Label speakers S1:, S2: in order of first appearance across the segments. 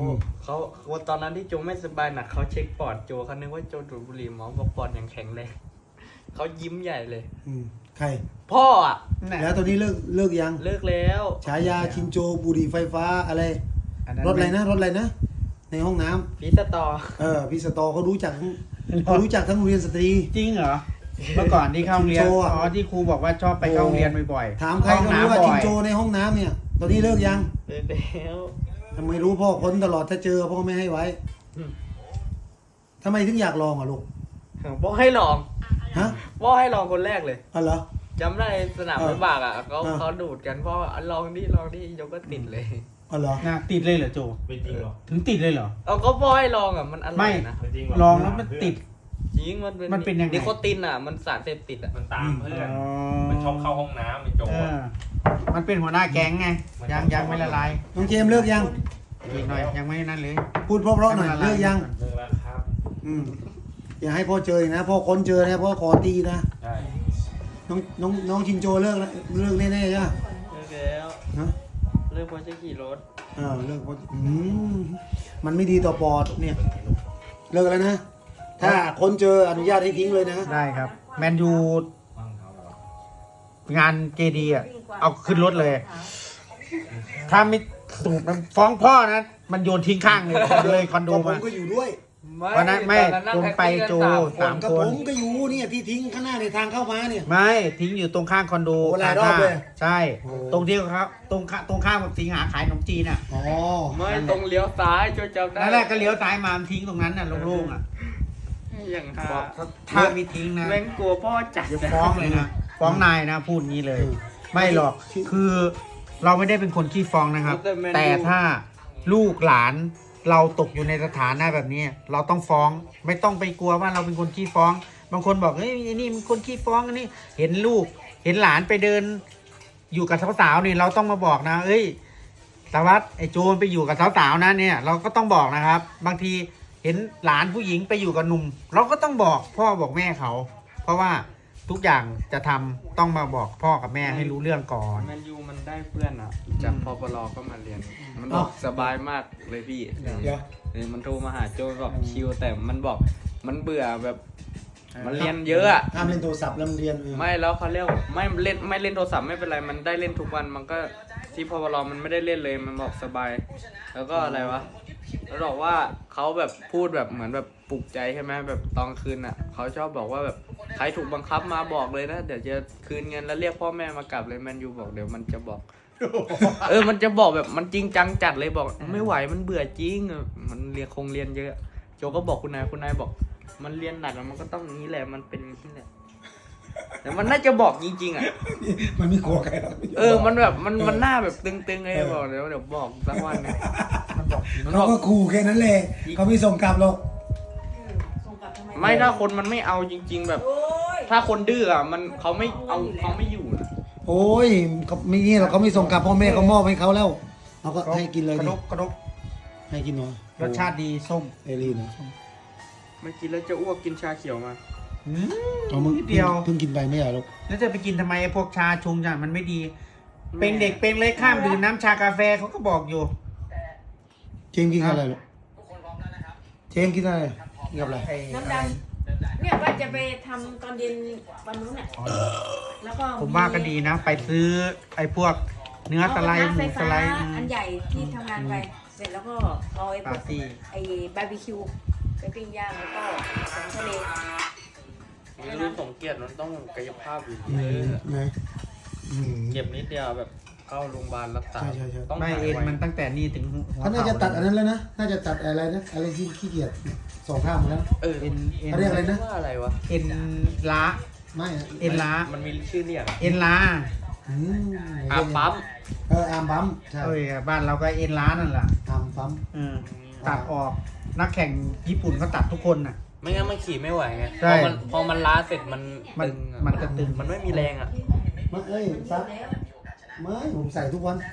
S1: เขาตอนนั้นที่โจไม่สบายหนักเขาเช็คปอดโจเขานึกว่าโจดูดบุหรี่หมอบอกปอดยังแข็งเลยเขายิ้มใหญ่เลย
S2: ใคร
S1: พ่ออ่ะ
S2: แล้วตอนนี้เลิกยัง
S1: เลิกแล้ว
S2: ฉายาชินโจบุหรี่ไฟฟ้าอะไรรถอะไรนะในห้องน้ำ
S1: พี่สตอ
S2: พี่สตอเขารู้จักทั้งโรงเรียนสตรี
S3: จริงเหรอเมื่อก่อนที่เข้าโรงเรียนที่ครูบอกว่าชอบไปเข้าโรงเรียนบ่อย
S2: ๆถามใครก็รู้ว่าชินโจในห้องน้ำเนี่ยตอนนี้เลิกยัง
S1: เลิกแล้ว
S2: ทำไมรู้พ่อค้นตลอดถ้าเจอพ่อไม่ให้ไว้ทำไมถึงอยากลองอ่ะลูก
S1: พ่อให้ลองพ่อให้ลองคนแรกเลย
S2: อ๋อเหรอ
S1: จำได้สนามวิบากอ่ะเขาดูดกันพ่อลองดิโจก็ติดเลย
S2: อ๋อเหรอ
S3: ติดเลยเหรอโจ
S4: เป็นจริงเหรอ
S3: ถึงติดเลยเหรอ
S1: ก็พ่อให้ลองอ่ะมันอร่อยนะ
S3: ลองแล้วมันติด
S1: จริงมันเป็นยังไงนิโคตินอ่ะมันสารเสพติดอ่ะ
S4: มันตามเพื่อนมันชอบเข้าห้องน้ำไอ้โจ
S3: มันเป็นหัวหน้าแก๊งไงยังไม่ละลาย
S2: น้องเจมเลิกยัง
S3: อีกหน่อยยังไม่นั่นเลย
S2: พูดเพราะๆหน่อยเลิกยัง
S4: เลิกแล้วครับ
S2: อย่าให้พ่อเจอนะพ่อค้นเจอนะพ่อขอตีนะ
S4: ใช่
S2: น้องชินโจเลิกแน่ๆใช่ไหม
S1: เลิกแล้วเลิกเพราะจะขี่รถ
S2: เลิกเพราะมันไม่ดีต่อปอดเนี่ยเลิกแล้วนะถ้าคนเจออนุญาตให้ทิ้งเลยนะ
S3: ได้ครับแมนยูงานเจดีอ่ะเอาขึ้นรถเลยถ้าไม่สูบฟ้องพ่อนะมันโยนทิ้งข้างเลยคอนโดมา
S2: ผมก็อยู่ด้วย
S3: วันนั้นไม่ผมไปโจ3 คน
S2: ผมก็อยู่เนี่ยที่ทิ้งข้างหน้าในทางเข้ามาเนี่ย
S3: ไม่ทิ้งอยู่ตรงข้างคอนโดใช่ตรงที่เขาตรงข้างแบบสิงหาขายขนมจีนอ่ะ
S1: ไม่ตรงเลี้ยวซ้ายโจจำได้
S3: นั่นแหละก็เลี้ยวซ้ายมาทิ้งตรงนั้นน่ะโล่งๆอ่ะ
S1: อย่าง
S3: ถ้ามีทิ้งนะ
S1: แม่งกลัวพ่อจัด
S3: จะฟ้องเลยนะฟ้องนายนะพูดงี้เลยไม่หรอกคือเราไม่ได้เป็นคนขี้ฟ้องนะครับแต่ถ้าลูกหลานเราตกอยู่ในสถานะแบบนี้เราต้องฟ้องไม่ต้องไปกลัวว่าเราเป็นคนขี้ฟ้องบางคนบอกเฮ้ยนี่มันคนขี้ฟ้องนี่เห็นลูกเห็นหลานไปเดินอยู่กับสาวๆนี่เราต้องมาบอกนะเอ้ยสวัสดิ์ไอ้โจรไปอยู่กับสาวๆนะเนี่ยเราก็ต้องบอกนะครับบางทีเห็นหลานผู้หญิงไปอยู่กับหนุ่มเราก็ต้องบอกพ่อบอกแม่เขาเพราะว่าทุกอย่างจะทำต้องมาบอกพ่อกับแม่ให้รู้เรื่องก่อน
S1: แมนยูมันได้เพื่อนอ่ะจากพปรก็มาเรียนมันบอกสบายมากเลยพี่มันโทรมาหาโจบอกชิลแต่มันบอกมันเบื่อแบบมันเรียนเยอะ
S2: ห้ามเล่นโทรศัพท์แล้วมันเรียน
S1: ไม่แล้วเขาเรียกไม่เล่นโทรศัพท์ไม่เป็นไรมันได้เล่นทุกวันมันก็ที่พปรมันไม่ได้เล่นเลยมันบอกสบายแล้วก็อะไรวะแล้วบอกว่าเขาแบบพูดแบบเหมือนแบบปลุกใจใช่ไหมแบบตอนคืนอ่ะเขาชอบบอกว่าแบบใครถูกบังคับมาบอกเลยนะเดี๋ยวจะคืนเงินแล้วเรียกพ่อแม่มากลับเลยแมนยูบอกเดี๋ยวมันจะบอกมันจะบอกแบบมันจริงจังจัดเลยบอกไม่ไหวมันเบื่อจริงมันเรียนเยอะโจก็บอกคุณนายบอกมันเรียนหนักมันก็ต้องนี้แหละมันเป็นนี่แหละแต่มันน่าจะบอกจริงๆอ่ะ
S2: มันไม่กลัวใครหรอก
S1: มันแบบมันหน้าแบบตึงๆเลยบอกเดี๋ยวบอกสักวัน
S2: เขาก็ขู่แค่นั้นแหละเขาไม่ส่งกลับหรอก
S1: ไม่ถ้าคนมันไม่เอาจริงๆแบบถ้าคนดื้ออ่ะมันเขาไม่เอาเขาไม่อยู่นะ
S2: โอ้ยไม่นี่หรอกเขาไม่ส่งกลับพ่อแม่เขามอบให้เขาแล้วเขาก็ให้กินเลย
S3: กระดก
S2: ให้กินหน่อย
S3: รสชาติดีส้ม
S2: เอลีน
S1: ไม่กินแล้วจะอ้วกกินชาเขียวมา
S2: มึงเดียวเพิ่งกินไปไม่ใช่หรอก
S3: แล้วจะไปกินทำไมพวกชาชงอย่างมันไม่ดีเป็นเด็กเป็นเล็กข้ามดื่มน้ำชากาแฟเขาก็บอกอยู่
S2: เจมกินอะไรลูกเจมกินอะไรกินกับอะไร
S5: น้ำดำเนี่ยว่าจะไปทำตอนเย็นวันนู้นเนี่ยแล้วก็
S3: ผมว่าก็ดีนะไปซื้อไอ้พวกเนื้อสไลด์หมูสไลด์
S5: อันใหญ่ที่ทำงานไปเสร็จแล้วก็เอาไอ้พวกไอ้บาร์บีคิวไปปิ้งย่างแล้วก็ของทะเล
S1: รู้สมเกียรติมันต้องกายภาพอยู่เก็บนิดเดียวแบบเข้าโรงพยาบาลรักษา
S3: ต้องไม่เอ็นมันตั้งแต่นี่ถึง
S2: เขาน่าจะตัดอันนั้นแล้วนะน่าจะตัดอะไรนะอะไรที่ขี้เกียจ2 ข้างหมดแล้ว
S3: เอ็น
S2: เขาเรียกอะไรนะ
S1: ว่าอะไรวะ
S3: เอ็นล้า
S2: ไม่
S3: เอ็นล้า
S1: มันมีชื่อเรียก
S3: เอ็นล้า
S1: อาร์มปั๊ม
S2: อาร์มปั๊ม
S3: ใช่บ้านเราก็เอ็นล้านั่นแหละ
S2: อาร์มปั๊ม
S3: ตัดออกนักแข่งญี่ปุ่นเขาตัดทุกคนน่ะ
S1: ไม่งั้นมันขี่ไม่ไหวไงพอมันล้าเสร็จมัน
S3: จะตึง
S1: มันไม่มีแรงอ่ะ
S2: ซับไม่ผมใส่ทุกวัน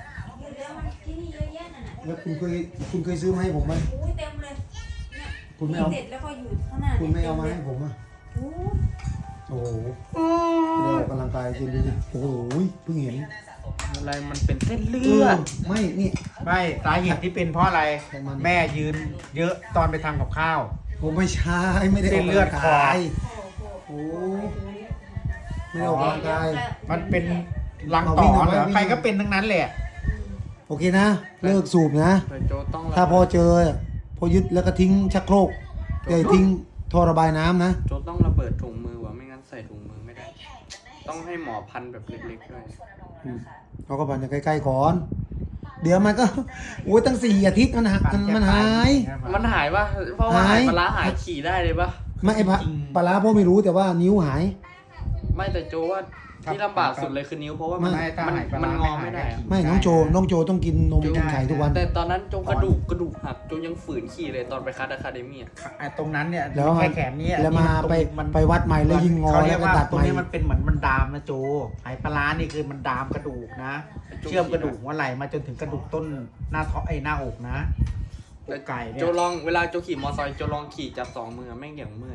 S2: แล้วคุณเคยซื้อมาให้ผมไหม
S5: เต็มเลย
S2: คุณไม่เอา
S5: เสร็จแล้วก็อยู่ข้างหน้า
S2: คุณไม่เอามาให้ผมอ่ะโอ้โหเดี๋ยวกำลังกายจริงๆโอ้โหเพิ่งเห็น
S1: อะไรมันเป็นเส้นเลื
S2: เอ
S1: อ
S2: อ
S1: ด
S2: ไม่นี่
S3: ไม่สาเหตุที่เป็นเพราะอะไร
S2: ไขมัน
S3: แม่ยืนเยอะตอนไปทำกับข้าว
S2: ผมไม่ใช่ไม่ได้
S3: เส้นเลือด
S2: กกำ
S3: ขอด
S2: กายโอ้ไม่ได้ออกกำลังกาย
S3: มันเป็นรังต่อเหรอใครก็เป็นทั้งนั้นแหละ
S2: โอเคนะ เลิกสูบนะ
S1: แต่โจต้อง
S2: ถ้าพอเจอพอยึดแล้วก็ทิ้งชักโครกอย่าทิ้งท่อระบายน้ำนะ
S1: โจต้องระเบิดถุงมือว่ะไม่งั้นใส่ถุงมือไม่ได้ ต้องให้หมอพันแบบเล็กๆด้วย
S2: เราก็ปั่นใกล้ๆก่อน เดี๋ยวมันก็ โอ้ยตั้ง4 อาทิตย์มันหาย
S1: มันหายปะเพราะว่า
S2: หาย
S1: ปลาร้าหายขี่ได้เลยปะ
S2: ไม่ไอ้ปลาร้าพ่อไม่รู้แต่ว่านิ้วหาย
S1: ไม่แต่โจว่าที่ลำบากสุดเลยคือนิ้วเพราะว่ามัน
S3: ไม่ถ้าหายปลาร้า
S1: มันงอไม่ได้
S2: ไม่น้องโจต้องกินนมกินไข่ทุกวัน
S1: แต่ตอนนั้นโจกระดูกหักโจยังฝืนขี่เลยตอนไปคัดอะคาเดมี่อะ
S3: ตรงนั้นเนี่ย
S2: แล้ว
S3: แค่แขนนี้
S2: แล้วมาไปวัดใหม่แล้วยิงงอ
S3: เขาเรี
S2: แล้
S3: ยว ก
S2: ก็
S3: ว่า
S2: ตัด
S3: ตร
S2: ให
S3: ง
S2: ม่
S3: นี้มันเป็นเหมือนมันดามนะโจหายปลาร้านี่คือมันดามกระดูกนะ เชื่อมกระดูกหัวไหล่มาจนถึงกระดูกต้นหน้าท้องหน้าอกนะอกไก่เนี่ย
S1: โจลองเวลาโจขี่มอไซค์โจลองขี่จับ2 มือแม่งอย่างเมื่อย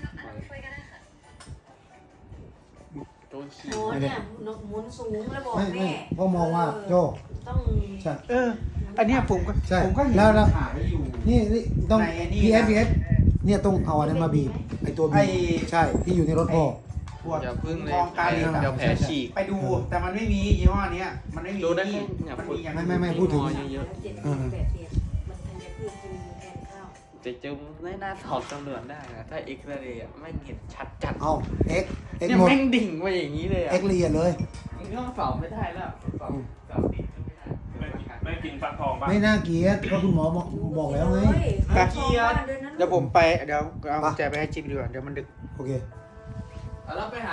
S1: โจขี่
S5: โอ้เนี่ยหมุนสูงแล้วบอก
S2: ไม่
S5: แม่
S2: พ่อมองว่าโจ
S5: ต้อง
S2: ใช่
S3: อันเนี้ยผมก็
S2: ใช่
S3: ผมก็เห็น
S2: แล้ว
S3: ขายอยู่
S2: นี่ต้อง
S3: ในไอ้นี่
S2: PS เนี่ยต้องเอาอะไรมาบีบไอตัวบี
S3: ไอ้
S2: บใช่ที่อยู่ในรถพ่อ
S3: พวก
S1: อย่าพึ่งเลย
S3: ทองการ
S2: ใช่
S1: เดี๋ยวแผลฉีก
S3: ไปดูแต่มันไม่มียี่ห้อเนี้ยมันไม่มี
S1: โจได้แค่
S3: ที่
S1: เนี่ย
S3: มันมีอย่าง
S2: ไม่พูดถึง
S1: เยอะ
S5: 7 8 เดือนมันทันจะพืชกินแทนข้าว
S1: ๆแต่โจไม่น่าถอดตำรวจได้นะถ้าเอ็กซ์เรย์อะไม่เห็นชัดจัด
S2: เอาเอ็ก
S1: เนี่ย
S2: หมด
S1: แม่งดิ่งมาอย่างนี้เลยอะ
S2: เอ็กเลียเลย
S1: มึงต้องเสาไม่ได้แล้วเสาติดไม่ได้
S4: ไม่กินฟักทองป่ะ
S2: ไม่น่าเกลียดเพราะคุณหมอบอกแล้วไง
S3: แต่
S5: เกียร์
S3: เดี๋ยวผมไปเดี๋ยวเอากุญแจไปให้จิ๊บดีกว่าเดี๋ยวมันดึก
S2: โอเค
S1: แล้วไปหา